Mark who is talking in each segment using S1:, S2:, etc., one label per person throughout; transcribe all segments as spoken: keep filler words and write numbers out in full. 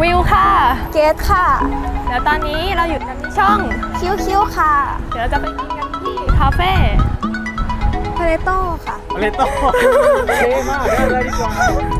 S1: วิวค่ะ
S2: เกตค่ะ
S1: เดี๋ยวตอนนี้เราอยู่กันที่ช่อง
S2: คิ้วคิ้วค่ะ
S1: เดี๋ยวเราจะไปกินกันที่คาเฟ่
S2: พาเลโต้ค่ะ
S3: พาเลโต้เท่มากได้เลยดีกว่า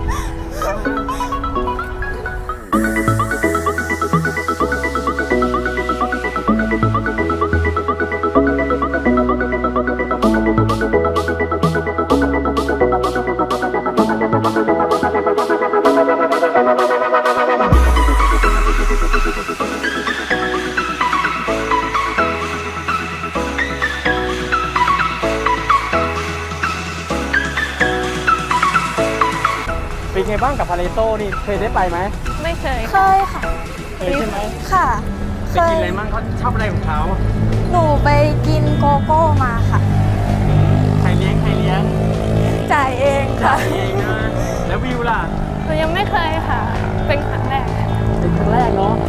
S3: เป็นไงบ้างกับพาเลโต้นี่เคยได้ไปไหม
S1: ไม่เคย
S2: เคยค่ะ
S3: เคยใช่ไหม
S2: ค่ะ
S3: ไปกินอะไรบ้างเขาชอบอะไรของเขา
S2: หนูไปกินโกโก้มาค่ะ
S3: ใครเลี้ยงใครเลี้ยง
S2: จ่ายเองค่ะ
S3: จ่ายเองนะแล้ววิวล่ะ
S1: หนูยังไม่เคยค่ะเป็นครั้งแรก
S3: เป็นครั้งแรกเนาะ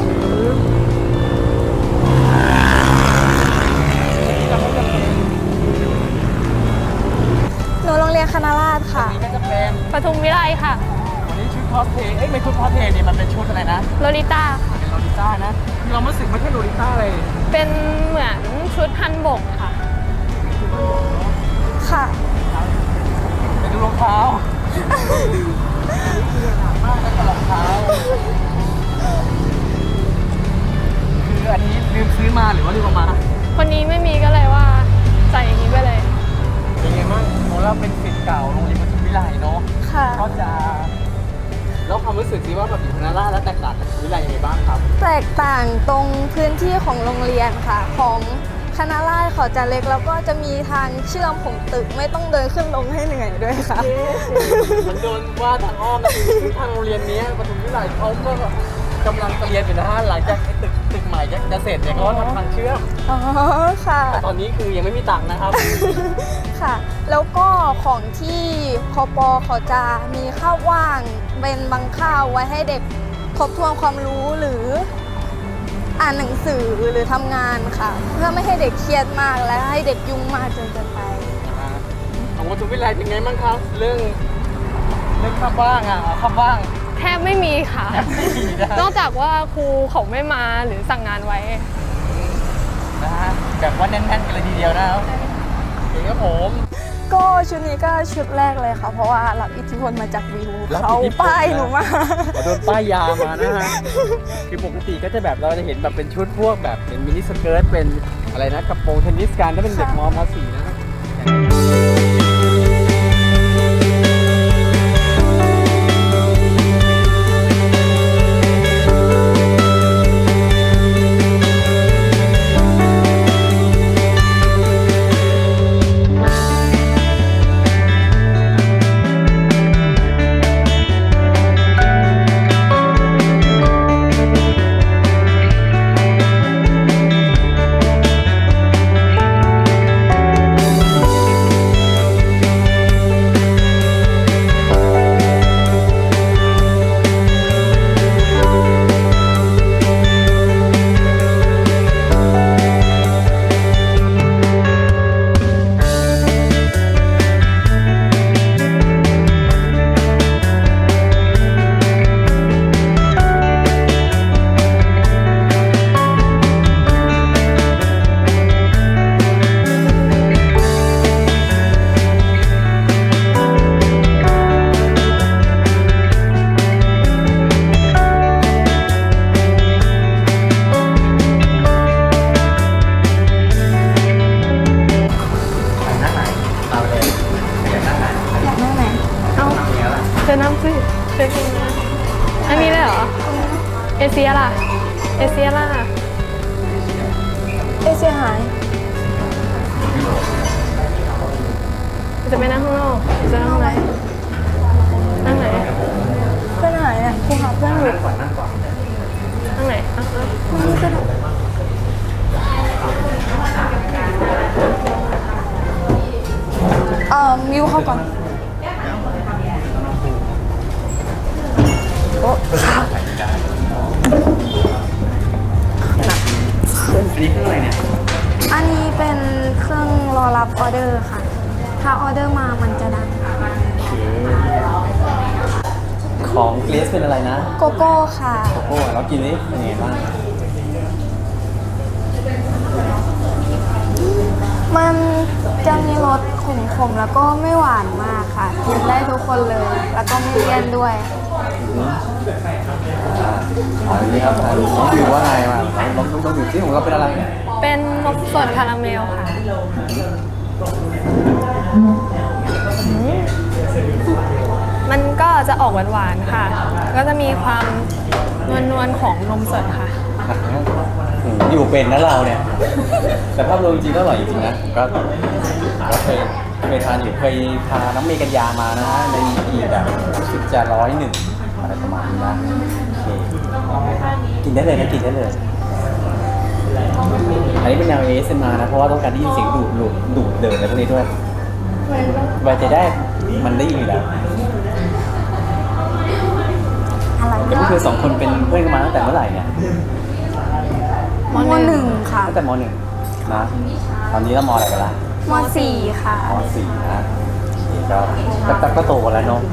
S2: หนูโรงเรียนคณะราษฎรค่ะ
S3: วันนี้ก็จะเป็น
S1: ปทุมวิไลค่ะ
S3: วันนี้ชุดคอสเพลย์เอ้ยไม่ชุดคอสเพลย์นี่มันเป็นชุดอะไรนะ
S1: โลลิต้าค่ะ
S3: เป็นโลลิต้านะคือเราไม่สึกไม่ใช่โลลิต้าเลย
S1: เป็นเหมือนชุดฮันบกค่ะ
S2: ค่ะ
S3: ไปดูรองเท้าคือหนักมากแล้วก็รองเท้าคืออันนี้ลืมซื้อมาหรือว่าลืมเอามา
S1: คนนี้ไม่มีก็เลยว่าใส่อย่างนี้ไปเลย
S3: เป็นไงบ้างโมเราเป็นศิษย์เก่าโรงเรียนปทุมวิไลเนาะ
S2: ค่ะ
S3: ก็จะแล้วความรู้สึกสิว่าแบบอยู่คณะราษฎรแล้วแตกต่างกับวิไลยังไงบ้างครับ
S2: แตกต่างตรงพื้นที่ของโรงเรียนค่ะของคณะราษฎรเขาจะเล็กแล้วก็จะมีทางเชื่อมของตึกไม่ต้องเดินขึ้นลงให้เหนื่อยด้วยค่ะ
S3: มันโดนว่าทางอ้อมนะคือทางโรงเรียนนี้ปทุมวิไลเขาก็กำลังเรียนอยู่นะฮะหลังจากตึกตึกใหม่จะเสร็จเนี่ยเขาทำทางเชื่อม
S2: อ๋อค่ะ
S3: แต่ตอนนี้คือยังไม่มีตังค์นะครับ
S2: ค่ะแล้วก็ของที่คปเขาจะมีข้าวว่างเป็นบางข้าวไว้ให้เด็กทบทวนความรู้หรืออ่านหนังสือหรือทำงานค่ะเพื่อไม่ให้เด็กเครียดมากและให้เด็กยุ่งมากจนเกินไป
S3: ของปทุมวิไลเป็นไงบ้างครับเรื่องเรื่องข้าวว่างอ่ะข้าวว่าง
S1: แทบไม่มีค่ะนอกจากว่าครูเขาไม่มาหรือสั่งงานไว้
S3: นะฮะแบบว่าแน่นๆกันเลยทีเดียวนะครับเองครับผม
S2: ก็ชุดนี้ก็ชุดแรกเลยค่ะเพราะว่ารับอิทธิพลมาจากวิวเขาป้ายหนูมา
S3: โดนป้ายยามานะฮะคือปกติก็จะแบบเราจะเห็นแบบเป็นชุดพวกแบบเป็นมินิสเกิร์ตเป็นอะไรนะกระโปรงเทนนิสกันถ้าเป็นเด็กม.ม.สี่นะครับ
S1: เจอน้ำซิเจอกันนะอันนี้เลยเหรอเอเชียล่ะเอเชียล่ะ
S2: เอเชียหาย
S1: จะไปนั่งข้างนอกจะนั่งไหนนั่งไหน
S2: เพื่อนหายอ่ะคุณหาเพื่อนอยู่
S1: นั่งไหน
S2: เอ่อมิวเข้าก่อนโอ้
S3: อันนี้เครื่องอะไรเนี่ย
S2: อันนี้เป็นเครื่องรอรับออเดอร์ค่ะถ้าออเดอร์มามันจะดัง
S3: ของเกรซเป็นอะไรนะ
S2: โกโก้ค่ะ
S3: โกโก้เรากินนี่เป็นไงบ้าง
S2: มันจะมีรสขมๆแล้วก็ไม่หวานมากค่ะ กินได้ทุกคนเลย แล้วก็ไม่เลี่ยนด้วย
S3: อ๋อนี่ครับน้องวิวว่าไงมาน้องน้องน้องวิวที่ของเราเป็นอะไร
S1: เป็นนมสดคาราเมลค่ะอืมมันก็จะออกหวานๆค่ะ ก็จะมีความนวลๆของนมสดค่ะ
S3: อยู่เป็นนะเราเนี่ย แต่ภาพรวมจริงๆก็อร่อยจริงๆนะก็ก็เคยเคยทานอยู่เคยพาน้องเมย์กัญญามานะฮะในอีแบบรู้สึกจะร้อยหนึ่งอะไรประมาณนี้นะโอเคกินได้เลยนะกินได้เลย อันนี้เป็นแนว เอ เอส เอ็ม อาร์ นะเพราะว่าต้องการได้ยินเสียงดูดดูดดูดเดินอะไรพวกนี้ด้วยไว้ใจได้มันได้ยินอยู่แล้ว
S2: อะไร
S3: แล้วพวกเธอสองคนเป็นเพื่อนกันมาตั้งแต่เมื่อไหร่เนี่ย
S2: มหนึ่งค่ะ
S3: ตั้งแต่มหนึ่งนะ ตอนนี้เรามอะไรกันละ
S2: มสี่ค่ะ
S3: มสี่นะก็ก็ก็ก็โตกันแล้วเนาะ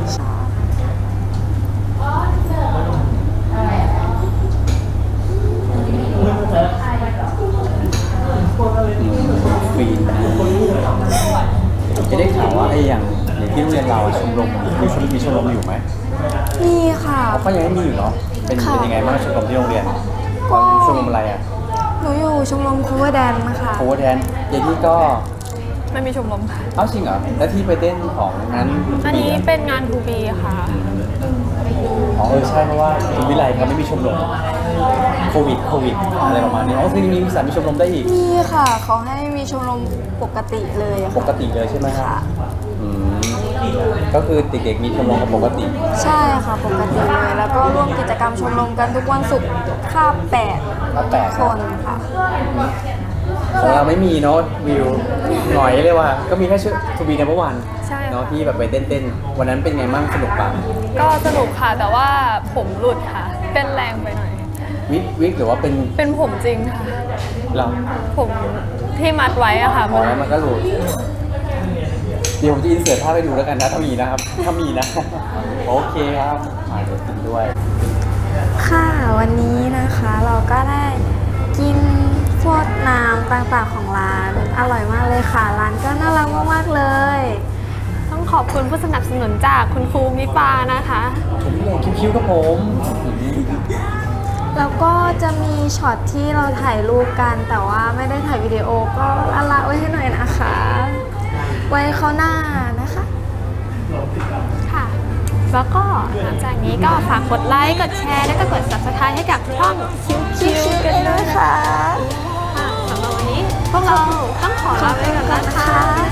S3: ฟรีนะจะได้ข่าวว่าไอ้อย่างอย่างที่โรงเรียนเราชมรมมีชมมีชมรมอยู่ไหม
S2: มีค่ะ
S3: เขาก็ยังไม่มีอยู่เนาะเป็น
S2: ค่ะ
S3: เป็นยังไงบ้างชมรมที่โรงเรียน
S2: ก็
S3: ชมรมอะไรอ่ะ
S2: หนูอยู่ชมรมคูเวอร์แดนนะคะ
S3: โค้ชแทนเยนี่ก็
S1: ไม่มีชมรมค่ะ
S3: เอ้าจริงเหรอแล้วที่ไปเต้นของนั้น
S1: อันนี้เป็นงานทูบีค่ะ
S3: อ๋อเออใช่เพราะว่าคุณวิไลเขาไม่มีชมรมโควิดโควิดอะไรประมาณนี้อ๋อคือมีสามีชมรมได้อีก
S2: มีค่ะ เขาให้มีชมรมปกติเลยอะ
S3: ป
S2: ค่ะ
S3: กติเลยใช่ไหมครับ
S2: ค่ะ
S3: อืมก็คือเด็กๆมีชมรมกันปกติ
S2: ใช่ค่ะ ปกติเลย แล้วก็ร่วมกิจกรรมชมรมกันทุกวันศุกร์คาบแปด
S3: ก็แปลก
S2: ค
S3: นะ
S2: นค่ะ
S3: ของเราไม่มีเนาะวิวหน่อยเลยว่า ก็มีแค่ชื่อทูบีในเมื่อวาน
S1: ใช่
S3: เนาะที่แบบไปเต้นๆวันนั้นเป็นไงบ้างสนุกปะ
S1: ก็สนุกค่ะ แต่ว่าผมหลุดค่ะ เป็นแรงไปหน่อย
S3: วิกวิกหรือว่าเป็น
S1: เป็นผมจริงค่ะ
S3: เรา
S1: ผมที่มัดไว้อะค่ะ
S3: พอแล้วมันก็หลุดเดี๋ยวผมจะอินเสิร์ตภาพให้ดูแล้วกันนะถ้ามีนะครับ ถ้ามีนะ โอเคครับมาเดี๋ยวกินด้วย
S2: ค่ะ วันนี้นะคะเราก็ได้กินพวกน้ำต่างๆของร้าน อร่อยมากเลยค่ะ ร้านก็น่ารักมากๆเลย
S1: ต้องขอบคุณผู้สนับสนุนจากคุณครูมิปานะคะ
S3: ผมเลยคิ้วๆกับผม
S2: แล้วก็จะมีช็อตที่เราถ่ายรูปกัน แต่ว่าไม่ได้ถ่ายวิดีโอก็ละละไว้ให้หน่อยนะคะ ไว้เขาวหน้านะคะ
S1: ค่ะ แล้วก็หลังจากนี้ก็ฝากกดไลค์ กดแชร์ และก็กด ซับสไครบ์ ให้กับช่องคิวๆกันด้วยนะคะ ค่ะสำหรับวันนี้พวกเราต้องขอลาไปก่อนนะคะ